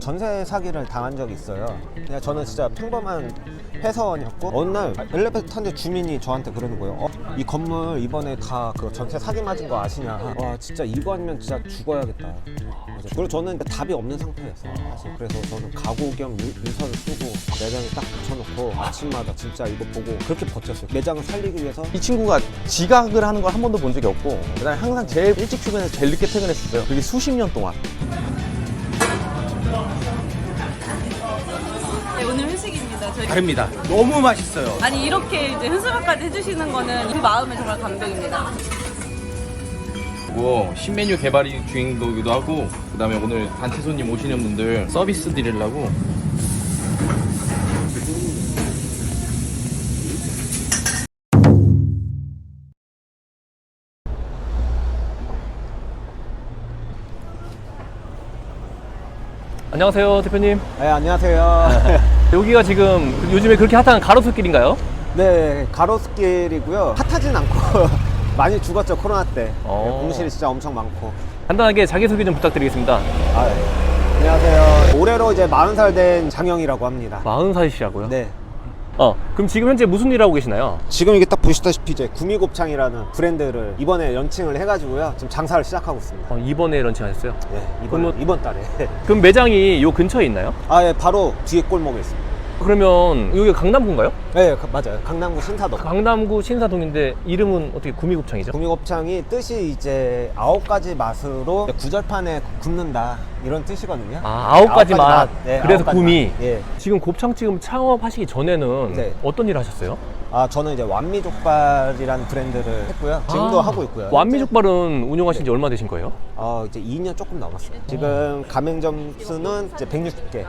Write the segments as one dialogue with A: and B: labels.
A: 전세 사기를 당한 적이 있어요. 그냥 저는 진짜 평범한 회사원이었고 어느 날 엘리베이터 탔는데 주민이 저한테 그러는 거예요. 이 건물 이번에 다 그 전세 사기 맞은 거 아시냐. 와 진짜 이거 아니면 진짜 죽어야겠다. 그리고 저는 답이 없는 상태였어요 사실. 그래서 저는 각오 겸 유서를 쓰고 매장에 딱 붙여놓고 아침마다 진짜 이거 보고 그렇게 버텼어요. 매장을 살리기 위해서.
B: 이 친구가 지각을 하는 걸 한 번도 본 적이 없고, 그다음에 항상 제일 일찍 출근해서 제일 늦게 퇴근했었어요. 그게 수십 년 동안.
C: 네, 오늘 회식입니다. 저희.
D: 다릅니다. 너무 맛있어요.
C: 아니 이렇게 이제 현수막까지 해주시는 거는 그 마음에 정말 감동입니다.
D: 그리고 신메뉴 개발이 주인공이기도 하고, 그 다음에 오늘 단체 손님 오시는 분들 서비스 드리려고.
E: 안녕하세요, 대표님.
A: 네 안녕하세요.
E: 여기가 지금 요즘에 그렇게 핫한 가로수길인가요?
A: 네 가로수길이고요. 핫하진 않고 많이 죽었죠 코로나 때. 공실이 진짜 엄청 많고.
E: 간단하게 자기소개 좀 부탁드리겠습니다.
A: 네. 안녕하세요. 올해로 이제 40살 된 장영이라고 합니다.
E: 40살이시라고요?
A: 네.
E: 그럼 지금 현재 무슨 일 하고 계시나요?
A: 지금 이게 딱 보시다시피 이제 구미곱창이라는 브랜드를 이번에 런칭을 해가지고요. 지금 장사를 시작하고 있습니다.
E: 이번에 런칭하셨어요?
A: 네,
E: 그러면-
A: 이번 달에.
E: 그럼 매장이 요 근처에 있나요?
A: 아, 예, 바로 뒤에 골목에 있습니다.
E: 그러면 여기가 강남구인가요?
A: 네, 맞아요. 강남구 신사동.
E: 강남구 신사동인데 이름은 어떻게 구미곱창이죠?
A: 구미곱창이 뜻이 이제 9가지 맛으로 구절판에 굽는다 이런 뜻이거든요.
E: 아, 9가지 맛.
A: 네,
E: 그래서
A: 9가지
E: 구미.
A: 맛. 예.
E: 지금 곱창 창업하시기 전에는
A: 네.
E: 어떤 일을 하셨어요?
A: 아, 저는 이제 완미족발이라는 브랜드를 했고요. 지금도 하고 있고요.
E: 완미족발은 운영하신 지 얼마 되신 거예요?
A: 이제 2년 조금 넘었어요. 지금 가맹점 수는 이제 160개.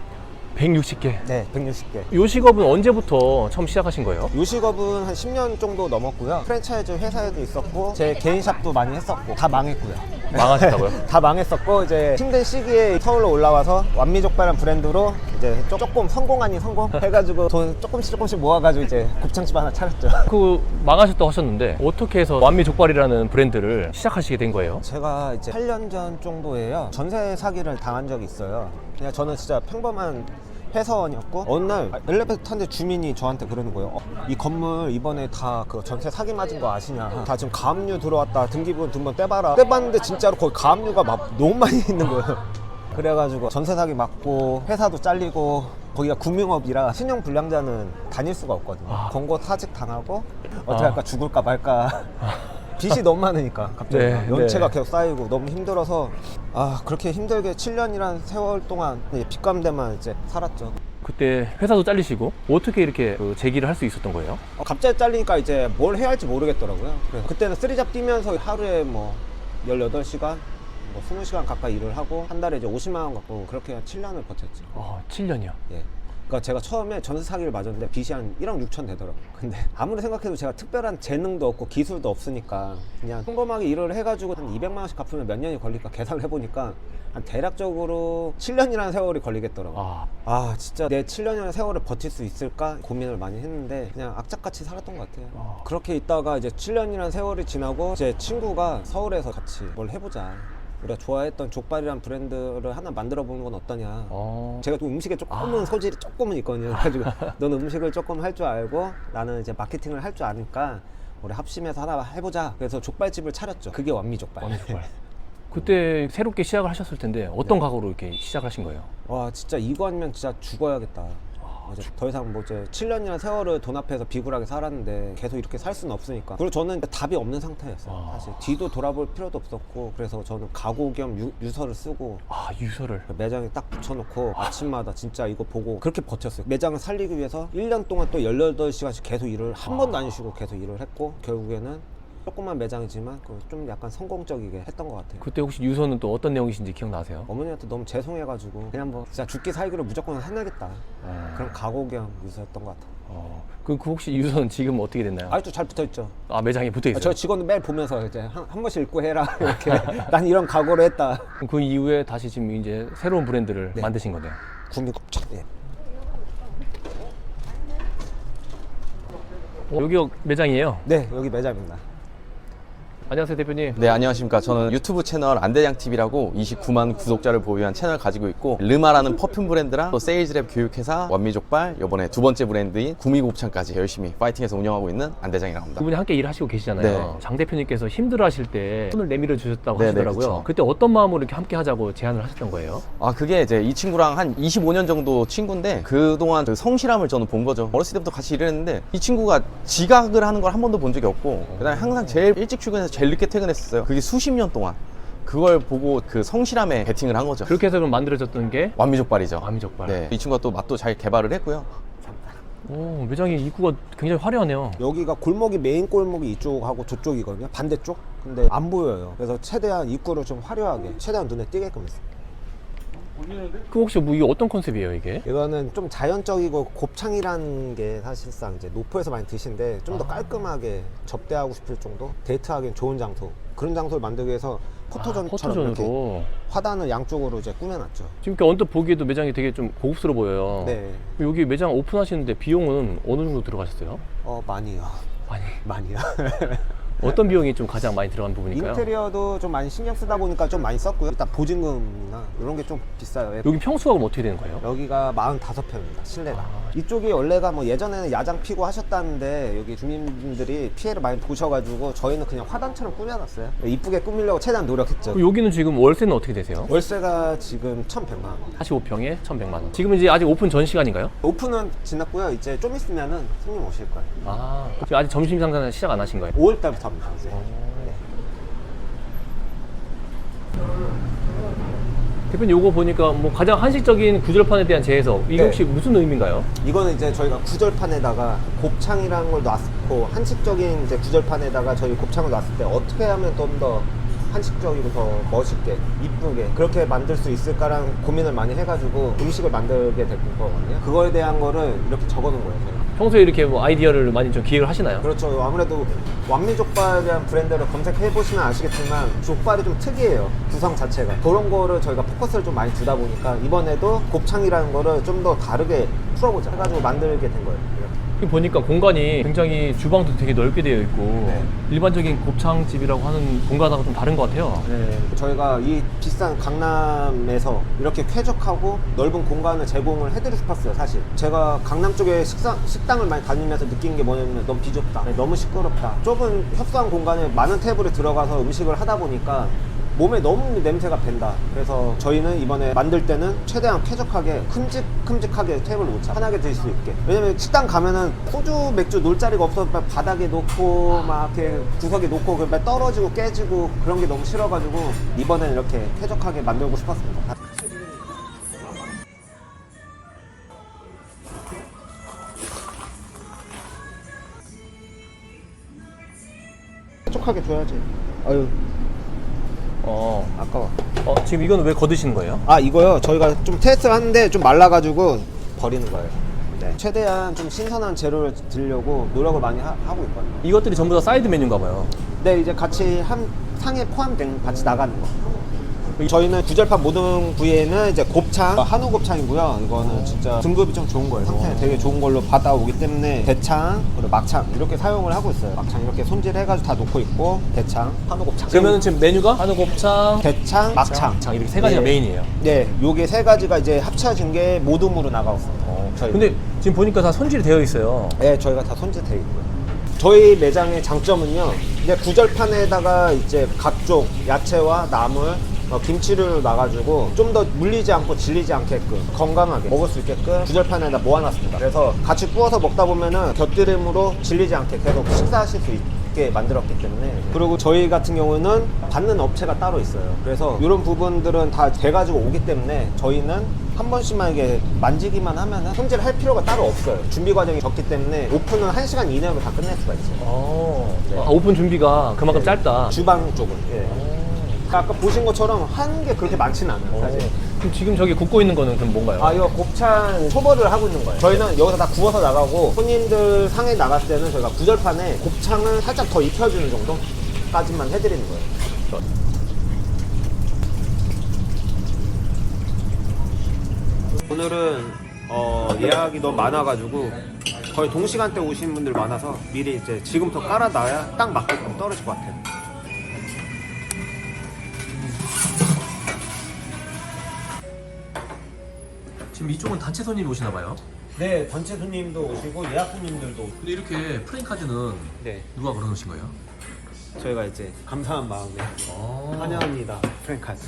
E: 160개.
A: 네, 160개.
E: 요 직업은 언제부터 처음 시작하신 거예요?
A: 요식업은 한 10년 정도 넘었고요. 프랜차이즈 회사에도 있었고 제 개인 샵도 많이 했었고 다 망했고요.
E: 망하셨다고요?
A: 다 망했었고 이제 힘든 시기에 서울로 올라와서 완미족발이라는 브랜드로 이제 조금 성공 아닌 성공 해가지고 돈 조금씩 모아가지고 이제 곱창집 하나 차렸죠.
E: 그 망하셨다고 하셨는데 어떻게 해서 완미족발이라는 브랜드를 시작하시게 된 거예요?
A: 제가 이제 8년 전 정도에요. 전세 사기를 당한 적이 있어요. 그냥 저는 진짜 평범한 회사원이었고 어느 날 엘리베이터 탔는데 주민이 저한테 그러는 거예요. 이 건물 이번에 다 그 전세 사기 맞은 거 아시냐. 다 지금 가압류 들어왔다. 등기부분 등본 떼봐라. 떼봤는데 진짜로 거기 가압류가 막 너무 많이 있는 거예요. 그래가지고 전세 사기 맞고 회사도 잘리고 거기가 금융업이라 신용 불량자는 다닐 수가 없거든요. 권고 사직 당하고 어떻게 할까 죽을까 말까. 빚이 너무 많으니까 갑자기
E: 네,
A: 연체가
E: 네.
A: 계속 쌓이고 너무 힘들어서 그렇게 힘들게 7년이라는 세월 동안 빚감대만 이제 살았죠.
E: 그때 회사도 잘리시고 어떻게 이렇게 그 재기를 할 수 있었던 거예요?
A: 갑자기 잘리니까 이제 뭘 해야 할지 모르겠더라고요. 그래서 그때는 쓰리잡 뛰면서 하루에 뭐 18시간 뭐 20시간 가까이 일을 하고 한 달에 이제 50만 원 갖고 그렇게 7년을 버텼죠.
E: 7년이요.
A: 예. 그러니까 제가 처음에 전세 사기를 맞았는데 빚이 한 1억 6천 되더라고요. 근데 아무리 생각해도 제가 특별한 재능도 없고 기술도 없으니까 그냥 평범하게 일을 해가지고 한 200만 원씩 갚으면 몇 년이 걸릴까 계산을 해보니까 한 대략적으로 7년이라는 세월이 걸리겠더라고요. 진짜 내 7년이라는 세월을 버틸 수 있을까 고민을 많이 했는데 그냥 악착같이 살았던 것 같아요. 그렇게 있다가 이제 7년이라는 세월이 지나고 제 친구가 서울에서 같이 뭘 해보자. 우리가 좋아했던 족발이란 브랜드를 하나 만들어 보는 건 어떠냐. 제가 또 음식에 조금은 소질이 조금은 있거든요. 그래가지고 너는 음식을 조금 할 줄 알고 나는 이제 마케팅을 할 줄 아니까 우리 합심해서 하나 해보자. 그래서 족발집을 차렸죠. 그게 완미족발.
E: 그때 새롭게 시작을 하셨을 텐데 어떤 각오로 이렇게 시작하신 거예요?
A: 와 진짜 이거 아니면 진짜 죽어야겠다. 이제 더 이상 뭐 이제 7년이라는 세월을 돈 앞에서 비굴하게 살았는데 계속 이렇게 살 수는 없으니까. 그리고 저는 답이 없는 상태였어요. 사실 뒤도 돌아볼 필요도 없었고 그래서 저는 각오 겸 유서를 쓰고
E: 유서를.
A: 매장에 딱 붙여놓고 아침마다 진짜 이거 보고 그렇게 버텼어요. 매장을 살리기 위해서 1년 동안 또 18시간씩 계속 일을 한 번도 안 쉬고 계속 일을 했고 결국에는 조그만 매장이지만 좀 약간 성공적이게 했던 것 같아요.
E: 그때 혹시 유서는 또 어떤 내용이신지 기억나세요?
A: 어머니한테 너무 죄송해가지고 그냥 뭐 진짜 죽기 살기로 무조건 해내겠다. 그런 각오 겸 유서였던 것 같아요.
E: 그 혹시 유서는 지금 어떻게 됐나요?
A: 아직도 잘 붙어있죠.
E: 매장에 붙어 있어요.
A: 저 직원은 매일 보면서 이제 한 번씩 읽고 해라 이렇게. 난 이런 각오를 했다.
E: 그 이후에 다시 지금 이제 새로운 브랜드를 만드신 거네요.
A: 구미곱창. 예.
E: 여기가 매장이에요?
A: 네, 여기 매장입니다.
E: 안녕하세요, 대표님.
B: 네, 안녕하십니까. 저는 유튜브 채널 안대장TV라고 29만 구독자를 보유한 채널 가지고 있고, 르마라는 퍼퓸 브랜드랑 또 세일즈랩 교육회사, 완미족발, 이번에 두 번째 브랜드인 구미곱창까지 열심히 파이팅해서 운영하고 있는 안대장이라고 합니다.
E: 두 분이 함께 일을 하시고 계시잖아요.
B: 네.
E: 장 대표님께서 힘들어 하실 때 손을 내밀어 주셨다고
B: 네,
E: 하시더라고요.
B: 네, 그쵸.
E: 그때 어떤 마음으로 이렇게 함께 하자고 제안을 하셨던 거예요?
B: 아, 그게 이제 이 친구랑 한 25년 정도 친구인데, 그동안 그 성실함을 저는 본 거죠. 어렸을 때부터 같이 일했는데, 이 친구가 지각을 하는 걸 한 번도 본 적이 없고, 그다음에 항상 제일 일찍 출근해서 제일 늦게 퇴근했었어요. 그게 수십 년 동안. 그걸 보고 그 성실함에 베팅을 한 거죠.
E: 그렇게 해서 그럼 만들어졌던 게
B: 완미족발이죠.
E: 완미족발.
B: 네, 이 친구가 또 맛도 잘 개발을 했고요.
E: 오, 매장의 입구가 굉장히 화려하네요.
A: 여기가 골목이 메인 골목이 이쪽하고 저쪽이거든요. 반대쪽. 근데 안 보여요. 그래서 최대한 입구를 좀 화려하게, 최대한 눈에 띄게끔 했어요.
E: 그 혹시 뭐 이게 어떤 컨셉이에요, 이게?
A: 이거는 좀 자연적이고 곱창이라는 게 사실상 이제 노포에서 많이 드신데 좀 더 깔끔하게 접대하고 싶을 정도, 데이트하기엔 좋은 장소, 그런 장소를 만들기 위해서 포토존처럼 이렇게
E: 포토존으로.
A: 화단을 양쪽으로 이제 꾸며놨죠.
E: 지금 이렇게 언뜻 보기에도 매장이 되게 좀 고급스러워 보여요.
A: 네.
E: 여기 매장 오픈하시는데 비용은 어느 정도 들어가셨어요?
A: 많이요. 많이요.
E: 어떤 비용이 좀 가장 많이 들어간 부분일까요?
A: 인테리어도 좀 많이 신경 쓰다 보니까 좀 많이 썼고요. 일단 보증금이나 이런 게 좀 비싸요.
E: 여기 평수가 그럼 어떻게 되는 거예요?
A: 여기가 45평입니다. 실내가. 이쪽이 원래가 뭐 예전에는 야장 피고 하셨다는데 여기 주민분들이 피해를 많이 보셔가지고 저희는 그냥 화단처럼 꾸며놨어요. 이쁘게 꾸미려고 최대한 노력했죠.
E: 그럼 여기는 지금 월세는 어떻게 되세요?
A: 월세가 지금 1,100만 원.
E: 45평에 1,100만 원. 지금 이제 아직 오픈 전 시간인가요?
A: 오픈은 지났고요. 이제 좀 있으면은 손님 오실 거예요.
E: 아, 지금 아직 점심 상사는 시작 안 하신 거예요?
A: 5월 달부터 합니다. 이제.
E: 대표님 요거 보니까 뭐 가장 한식적인 구절판에 대한 재해석, 이게
A: 네.
E: 혹시 무슨 의미인가요?
A: 이거는 이제 저희가 구절판에다가 곱창이라는 걸 놨고 한식적인 이제 구절판에다가 저희 곱창을 놨을 때 어떻게 하면 좀 더 한식적이고 더 멋있게 이쁘게 그렇게 만들 수 있을까라는 고민을 많이 해가지고 음식을 만들게 된 거거든요. 그거에 대한 거를 이렇게 적어놓은 거예요. 저희가.
E: 평소에 이렇게 뭐 아이디어를 많이 좀 기획을 하시나요?
A: 그렇죠. 아무래도 완미족발이라는 브랜드를 검색해 보시면 아시겠지만 족발이 좀 특이해요. 구성 자체가. 그런 거를 저희가 포커스를 좀 많이 두다 보니까 이번에도 곱창이라는 거를 좀 더 다르게 풀어보자 해가지고 만들게 된 거예요. 이렇게.
E: 여기 보니까 공간이 굉장히 주방도 되게 넓게 되어 있고
A: 네.
E: 일반적인 곱창집이라고 하는 공간하고 좀 다른 것 같아요.
A: 저희가 이 비싼 강남에서 이렇게 쾌적하고 넓은 공간을 제공을 해드리고 싶었어요. 사실 제가 강남 쪽에 식당을 많이 다니면서 느낀 게 뭐냐면 너무 비좁다, 너무 시끄럽다, 좁은 협소한 공간에 많은 테이블에 들어가서 음식을 하다 보니까 몸에 너무 냄새가 밴다. 그래서 저희는 이번에 만들 때는 최대한 쾌적하게 큼직큼직하게 테이블을 놓자, 편하게 드실 수 있게. 왜냐면 식당 가면은 소주 맥주 놓을 자리가 없어서 막 바닥에 놓고 막 이렇게 구석에 놓고 막 떨어지고 깨지고 그런 게 너무 싫어가지고 이번에는 이렇게 쾌적하게 만들고 싶었습니다. 쾌적하게 줘야지. 아유 아까워.
E: 지금 이건 왜 거드시는 거예요?
A: 이거요. 저희가 좀 테스트를 하는데 좀 말라가지고 버리는 거예요. 네. 최대한 좀 신선한 재료를 드리려고 노력을 많이 하고 있거든요.
E: 이것들이 전부 다 사이드 메뉴인가 봐요.
A: 네, 이제 같이 한 상에 포함된 같이 나가는 거. 저희는 구절판 모든 부위에는 이제 곱창, 한우 곱창이고요. 이거는 진짜 등급이 좀 좋은 거예요. 상태 되게 좋은 걸로 받아오기 때문에 대창, 그리고 막창 이렇게 사용을 하고 있어요. 막창 이렇게 손질해가지고 다 놓고 있고 대창, 한우 곱창.
E: 그러면 지금 메뉴가 한우 곱창,
A: 대창, 막창.
E: 이렇게 세 가지가
A: 네.
E: 메인이에요.
A: 네, 요게 세 가지가 이제 합쳐진 게 모둠으로 나가왔습니다. 저희.
E: 근데 지금 보니까 다 손질이 되어 있어요.
A: 네, 저희가 다 손질되어 있고요. 저희 매장의 장점은요, 이제 구절판에다가 이제 각종 야채와 나물, 김치를 놔가지고 좀 더 물리지 않고 질리지 않게끔 건강하게 먹을 수 있게끔 구절판에다 모아놨습니다. 그래서 같이 구워서 먹다 보면은 곁들임으로 질리지 않게 계속 식사하실 수 있게 만들었기 때문에. 그리고 저희 같은 경우는 받는 업체가 따로 있어요. 그래서 이런 부분들은 다 돼가지고 오기 때문에 저희는 한 번씩만 이게 만지기만 하면은 손질할 필요가 따로 없어요. 준비 과정이 적기 때문에 오픈은 1시간 이내로 다 끝낼 수가 있어요. 네.
E: 오픈 준비가 그만큼 짧다.
A: 주방 쪽은. 예. 아까 보신 것처럼 하는 게 그렇게 많지는 않아요, 사실.
E: 그럼 지금 저기 굽고 있는 거는 그럼 뭔가요?
A: 이거 곱창 초벌을 하고 있는 거예요. 저희는 여기서 다 구워서 나가고 손님들 상에 나갔을 때는 저희가 구절판에 곱창을 살짝 더 익혀주는 정도까지만 해드리는 거예요. 오늘은 예약이 너무 많아가지고 거의 동시간대 오신 분들 많아서 미리 이제 지금부터 깔아놔야 딱 맞게끔 떨어질 것 같아요.
E: 지금 이쪽은 단체 손님이 오시나 봐요.
A: 네, 단체 손님도 오시고 예약 손님들도 오시고.
E: 근데 이렇게 프레임카드는
A: 네,
E: 누가 걸어놓으신 거예요?
A: 저희가 이제 감사한 마음에 환영합니다. 프랭카스.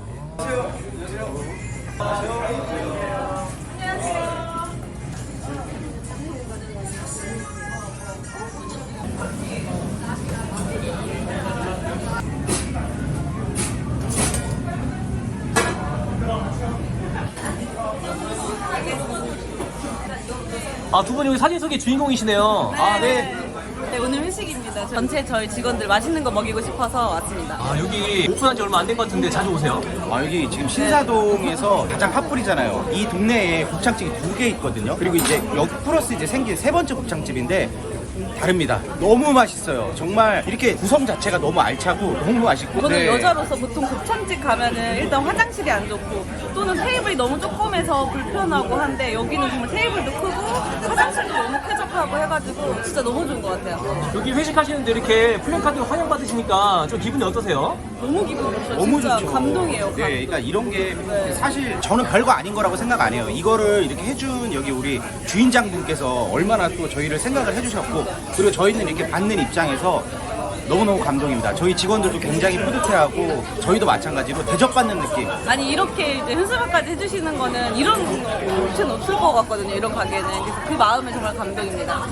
E: 아, 두 분이 여기 사진 속의 주인공이시네요. 아, 네.
C: 네, 오늘 회식입니다. 전체 저희 직원들 맛있는 거 먹이고 싶어서 왔습니다.
E: 아, 여기 오픈한 지 얼마 안 된 것 같은데 자주 오세요?
F: 아, 여기 지금 신사동에서 가장 핫플이잖아요. 이 동네에 곱창집이 2개 있거든요. 그리고 이제 여기 플러스 이제 생긴 3번째 곱창집인데 다릅니다. 너무 맛있어요. 정말 이렇게 구성 자체가 너무 알차고 너무 맛있고.
C: 저는
F: 네.
C: 여자로서 보통 곱창집 가면은 일단 화장실이 안 좋고 또는 테이블이 너무 조그매서 불편하고 한데 여기는 정말 테이블도 크고 화장실도 너무 쾌적하고 해가지고 진짜 너무 좋은 것 같아요.
E: 여기 회식하시는데 이렇게 플랜카드 환영받으시니까 좀 기분이 어떠세요?
C: 너무 기분 좋죠.
F: 너무
C: 진짜
F: 좋죠.
C: 감동이에요. 감동.
F: 네, 그러니까 이런 게
C: 네.
F: 사실 저는 별거 아닌 거라고 생각 안 해요. 이거를 이렇게 해준 여기 우리 주인장분께서 얼마나 또 저희를 생각을 해주셨고, 그리고 저희는 이렇게 받는 입장에서 너무너무 감동입니다. 저희 직원들도 굉장히 뿌듯해하고 저희도 마찬가지로 대접받는 느낌.
C: 아니 이렇게 이제 현수막까지 해주시는 거는 이런 업체는 없을 것 같거든요. 이런 가게는. 그래서 그 마음에 정말 감동입니다.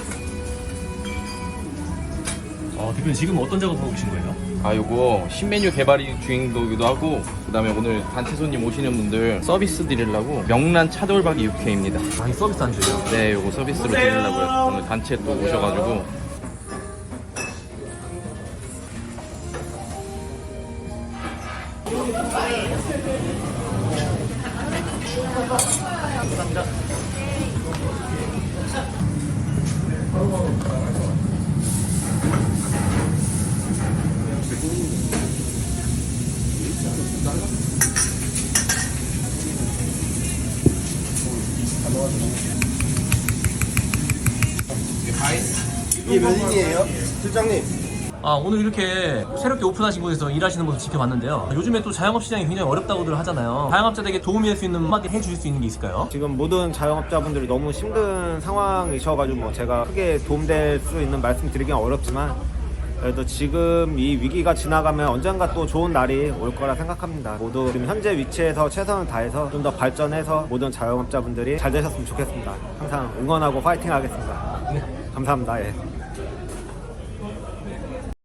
E: 대표님 지금 어떤 작업하고 계신 거예요?
D: 아, 요거 신메뉴 개발이 주인도기도 하고, 그 다음에 오늘 단체 손님 오시는 분들 서비스 드리려고 명란 차돌박이 육회입니다.
E: 아, 이 서비스 안주예요?
D: 네, 요거 서비스로 드리려고요. 오늘 단체 또 오셔가지고.
F: 이게 몇 인이에요? 실장님.
E: 아, 오늘 이렇게 새롭게 오픈하신 곳에서 일하시는 모습 지켜봤는데요. 요즘에 또 자영업 시장이 굉장히 어렵다고들 하잖아요. 자영업자들에게 도움이 될 수 있는 한마디 해주실 수 있는 게 있을까요?
A: 지금 모든 자영업자분들이 너무 힘든 상황이셔가지고 뭐 제가 크게 도움될 수 있는 말씀 드리기는 어렵지만, 그래도 지금 이 위기가 지나가면 언젠가 또 좋은 날이 올 거라 생각합니다. 모두 지금 현재 위치에서 최선을 다해서 좀 더 발전해서 모든 자영업자분들이 잘 되셨으면 좋겠습니다. 항상 응원하고 파이팅 하겠습니다. 감사합니다. 예.